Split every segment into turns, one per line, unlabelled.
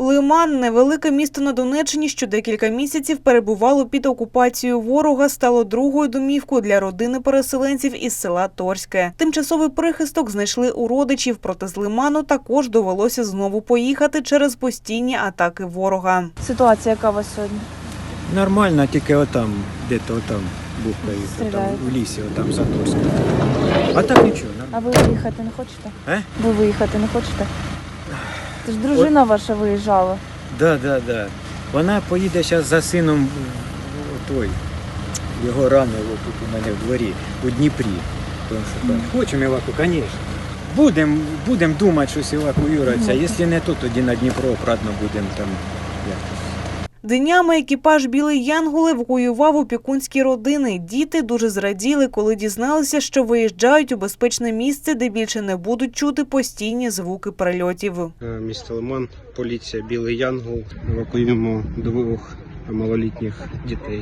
Лиман – невелике місто на Донеччині, що декілька місяців перебувало під окупацією ворога, стало другою домівкою для родини переселенців із села Торське. Тимчасовий прихисток знайшли у родичів, проте з Лиману також довелося знову поїхати через постійні атаки ворога.
Ситуація яка у вас сьогодні?
Нормально, тільки отам, де-то отам бухкають, отам, в лісі, отам за Торськом. А так нічого,
А
нормально.
ви виїхати не хочете? Ви виїхати не хочете? Це ж дружина ваша виїжджала.
Да. Вона поїде зараз за сином його ранило тут у мене в дворі, у Дніпрі. Тому що там хочемо звісно. Будемо думати, щось евакуюватися. Якщо не тут, тоді на Дніпро обратно будемо там якось.
Днями екіпаж «Білий Янгол» евакуював опікунські родини. Діти дуже зраділи, коли дізналися, що виїжджають у безпечне місце, де більше не будуть чути постійні звуки прильотів.
Місто Лиман, поліція «Білий Янгол». Евакуюємо двох малолітніх дітей.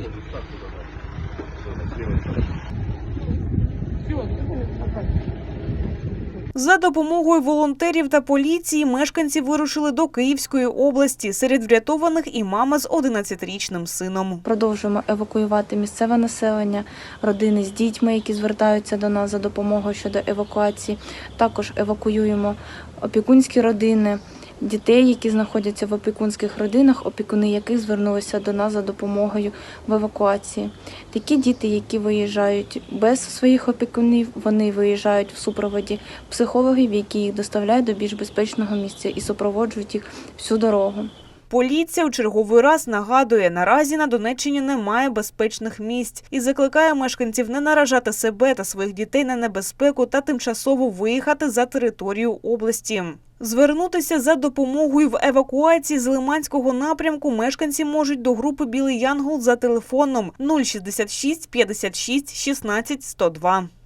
За допомогою волонтерів та поліції мешканці вирушили до Київської області. Серед врятованих і мама з 11-річним сином.
Продовжуємо евакуювати місцеве населення, родини з дітьми, які звертаються до нас за допомогою щодо евакуації. Також евакуюємо опікунські родини, дітей, які знаходяться в опікунських родинах, опікуни яких звернулися до нас за допомогою в евакуації. Такі діти, які виїжджають без своїх опікунів, вони виїжджають в супроводі психологів, які їх доставляють до більш безпечного місця і супроводжують їх всю дорогу.
Поліція у черговий раз нагадує, наразі на Донеччині немає безпечних місць і закликає мешканців не наражати себе та своїх дітей на небезпеку та тимчасово виїхати за територію області. Звернутися за допомогою в евакуації з Лиманського напрямку мешканці можуть до групи «Білий Янгол» за телефоном 066 56 16 102.